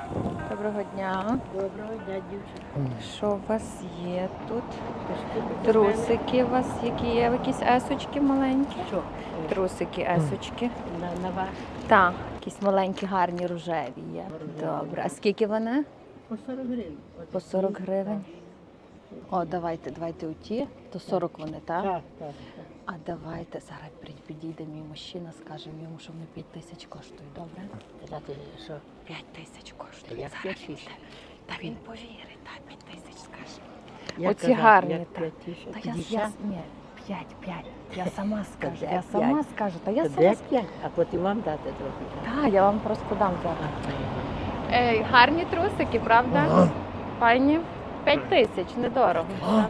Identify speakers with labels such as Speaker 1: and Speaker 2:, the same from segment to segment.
Speaker 1: Доброго дня.
Speaker 2: Доброго дня, дівчинка.
Speaker 1: Що у вас є тут? Трусики у вас які є? Якісь есочки маленькі?
Speaker 2: Що?
Speaker 1: Трусики, есочки.
Speaker 2: На вас?
Speaker 1: Так, якісь маленькі, гарні, рожеві є. Добре. А скільки вони?
Speaker 2: По 40 гривень.
Speaker 1: По 40 гривень. О, давайте оті. То 40 вони, так?
Speaker 2: Так.
Speaker 1: А давайте зараз підійде мій мужчина, скажемо йому, що вони 5 тисяч коштують, добре?
Speaker 2: Казати, що?
Speaker 1: 5 тисяч коштують.
Speaker 2: Як
Speaker 1: Зараз
Speaker 2: 5 тисяч?
Speaker 1: Та він повірить, так, 5 тисяч скаже.
Speaker 2: Як
Speaker 1: Оці
Speaker 2: казати,
Speaker 1: гарні,
Speaker 2: як
Speaker 1: так.
Speaker 2: 5 тисяч?
Speaker 1: Та
Speaker 2: Тоді
Speaker 1: я,
Speaker 2: ще?
Speaker 1: ні, 5. Я сама скажу,
Speaker 2: де
Speaker 1: я сама
Speaker 2: п'ять?
Speaker 1: скажу. Та я
Speaker 2: То
Speaker 1: сама
Speaker 2: де
Speaker 1: скажу.
Speaker 2: 5? А потім вам дати трохи.
Speaker 1: Так, я вам просто дам зараз.
Speaker 2: Так.
Speaker 1: Гарні трусики, правда? Файні. 5 тисяч, недорого.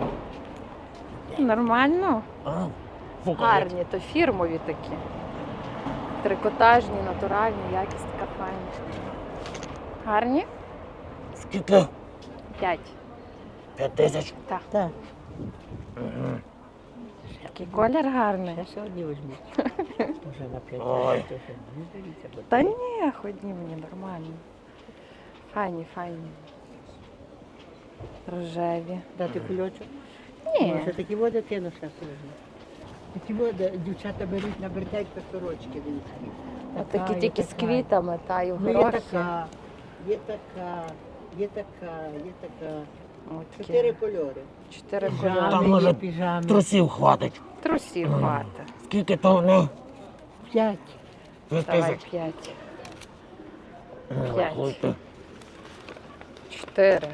Speaker 1: Нормально? Гарні, то фірмові такі. Трикотажні, натуральні, якість така файна. Гарні?
Speaker 3: Скільки?
Speaker 1: 5.
Speaker 3: 5 тисяч?
Speaker 1: Так.
Speaker 2: Так.
Speaker 1: Такий колір гарний.
Speaker 2: Я сьогодні візьму. Вже на 5
Speaker 3: Ой.
Speaker 2: тисяч. Не дивіться, бо
Speaker 1: Та ні, ходні мені нормально. Файні. Рожеві.
Speaker 2: дати кульочок.
Speaker 1: Ні.
Speaker 2: Може, такі води кину ще візьму. Такі води дівчата беруть на бертелька сорочки. дивіться.
Speaker 1: От
Speaker 2: Така,
Speaker 1: такі
Speaker 2: є
Speaker 1: тільки з
Speaker 2: така.
Speaker 1: квітами, та й в
Speaker 2: Ну, є
Speaker 1: горохи.
Speaker 2: така, є така, є така, є така.
Speaker 1: От такі
Speaker 2: 4 кольори.
Speaker 1: 4
Speaker 2: Піжами,
Speaker 1: кольори.
Speaker 3: Там, може,
Speaker 2: є піжами.
Speaker 3: Трусів хватить.
Speaker 1: Трусів хвата.
Speaker 3: Скільки то вони?
Speaker 2: 5.
Speaker 3: 5
Speaker 1: Давай
Speaker 3: тисяч.
Speaker 1: 5.
Speaker 3: Ну,
Speaker 1: П'ять.
Speaker 3: рахуйте.
Speaker 1: 4.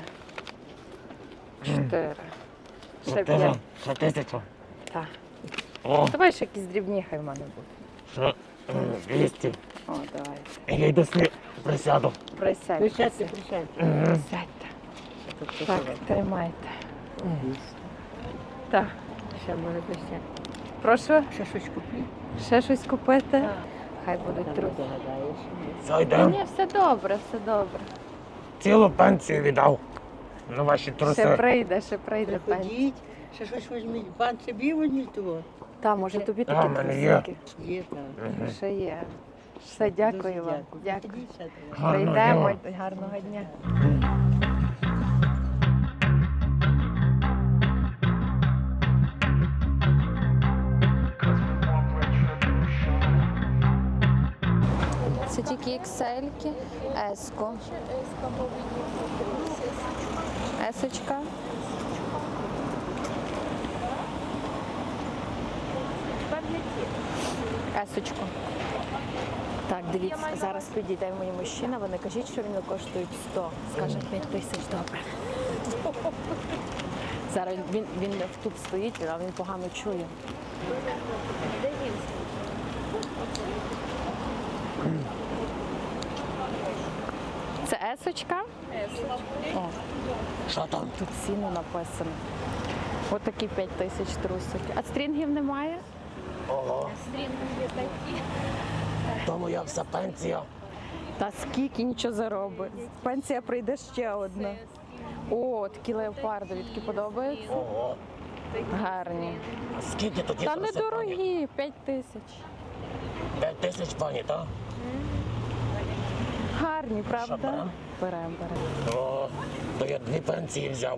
Speaker 1: 4. Ще
Speaker 3: 4.
Speaker 1: 5.
Speaker 3: Ще тисячу.
Speaker 1: Так.
Speaker 3: О,
Speaker 1: Давай ще якісь дрібні хай в мене будуть.
Speaker 3: ще 200.
Speaker 1: О, давай.
Speaker 3: Я йду присяду.
Speaker 1: Присядьте.
Speaker 2: Присядьте.
Speaker 1: Присядьте. Так, тримайте. Так.
Speaker 2: Ще може десь.
Speaker 1: Прошу,
Speaker 2: Ще щось куплю.
Speaker 1: ще щось купити?
Speaker 2: Так.
Speaker 1: Хай будуть
Speaker 2: Там
Speaker 1: труси.
Speaker 2: догадаєш.
Speaker 3: Все, йдемо.
Speaker 1: Ні, все добре, все добре.
Speaker 3: Цілу пенсію віддав на ваші
Speaker 1: Ще
Speaker 3: труси.
Speaker 1: прийде пенсія.
Speaker 2: Приходіть, ще щось візьміть. Пан собі візьміть того.
Speaker 1: Та, може тобі
Speaker 3: А,
Speaker 1: такі
Speaker 3: в мене є.
Speaker 1: трусики?
Speaker 2: Є там.
Speaker 1: Ще є. Все, дякую
Speaker 2: Дуже
Speaker 1: вам. Дякую.
Speaker 2: Ходіть ще трохи.
Speaker 3: Гарного
Speaker 1: Прийдемо.
Speaker 3: дня.
Speaker 1: Гарного дня. Це тільки XL-ки, S-ко. Есочка. Есочку. Так, дивіться, зараз підійде мій мужчина, вони кажуть, що вони коштують 100. Скаже 5 тисяч, добре. Зараз він тут стоїть, а він погано чує. Це есочка? О,
Speaker 3: Що там?
Speaker 1: тут ціну написано. Ось такі 5 тисяч трусики. А стрінгів немає?
Speaker 3: Ого. Тому як вся пенсія.
Speaker 1: Та скільки нічого заробить. Пенсія прийде ще одна. О, такі леопардові, такі подобаються?
Speaker 3: Ого.
Speaker 1: Гарні.
Speaker 3: А скільки тоді
Speaker 1: Та
Speaker 3: труси, пані?
Speaker 1: недорогі, 5 тисяч.
Speaker 3: 5 тисяч, пані, так?
Speaker 1: Гарні,
Speaker 3: Що,
Speaker 1: правда?
Speaker 3: берем?
Speaker 1: Беремо.
Speaker 3: О, то я 2 пенсії взяв.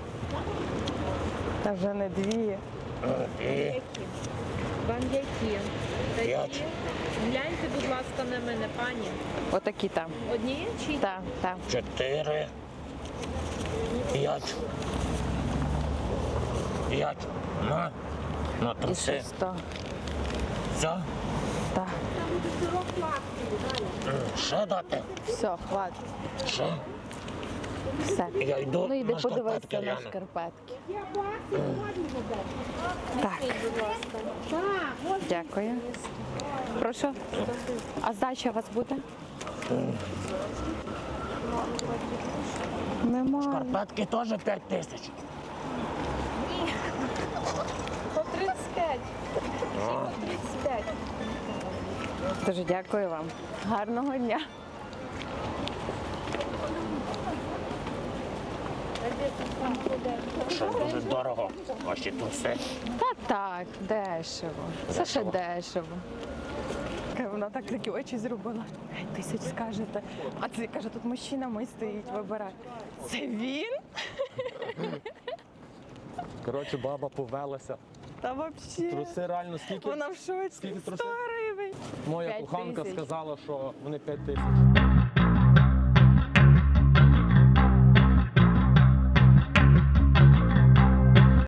Speaker 1: Та вже не 2.
Speaker 3: І
Speaker 4: Вам які?
Speaker 3: 5.
Speaker 4: Гляньте, будь ласка, на мене, пані.
Speaker 1: Отакі там.
Speaker 4: Одні чи
Speaker 1: Так, так.
Speaker 3: 4, 5. 5. На
Speaker 1: І
Speaker 3: труси.
Speaker 1: ще 100.
Speaker 3: Все?
Speaker 1: Так.
Speaker 3: Ще дати?
Speaker 1: Все, хватить.
Speaker 3: Ще?
Speaker 1: Все.
Speaker 3: Я йду
Speaker 1: Ну йди
Speaker 3: на
Speaker 1: подивися
Speaker 3: шкарпетки
Speaker 1: на
Speaker 3: гляну.
Speaker 1: шкарпетки. Так. Дякую. Прошу. А здача у вас буде? Немає.
Speaker 3: Шкарпетки теж 5 тисяч.
Speaker 4: по 35? По 35.
Speaker 1: Дуже дякую вам. Гарного дня.
Speaker 3: Що дуже дорого. Ваші труси.
Speaker 1: Та так, дешево. Це ще дешево. Вона так такі очі зробила. 5 тисяч скажете. А це каже, тут мужчина мій стоїть, вибирає. Це він?
Speaker 5: Коротше, баба повелася.
Speaker 1: Та взагалі.
Speaker 5: Труси реально скільки?
Speaker 1: Вона в шоці.
Speaker 5: Скільки
Speaker 1: 100
Speaker 5: трусів?
Speaker 1: гривень.
Speaker 5: Моя
Speaker 1: 5
Speaker 5: коханка
Speaker 1: тисяч.
Speaker 5: сказала, що вони 5 тисяч.